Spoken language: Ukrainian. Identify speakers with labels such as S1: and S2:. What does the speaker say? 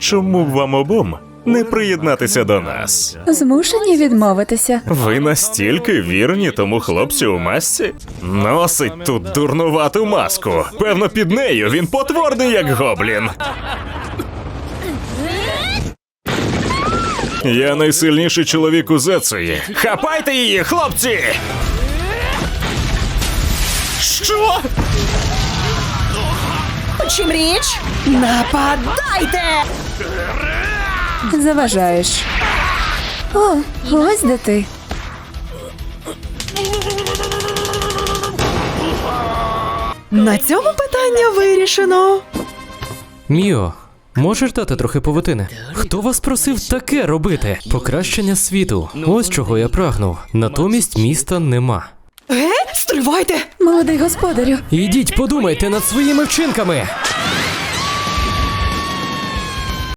S1: Чому б вам обом не приєднатися до нас?
S2: Змушені відмовитися.
S1: Ви настільки вірні тому хлопцю у масці? Носить тут дурнувату маску. Певно, під нею він потворний, як гоблін. Я найсильніший чоловік у Зецуї. Хапайте її, хлопці! Що?
S3: У чим річ? Нападайте!
S2: Заважаєш. О, ось де ти.
S3: На цьому питання вирішено.
S4: Міо, можеш дати трохи павутини? Хто вас просив таке робити? Покращення світу. Ось чого я прагнув. Натомість міста нема.
S3: Стривайте!
S2: Молодий господарю.
S4: Ідіть, подумайте над своїми вчинками.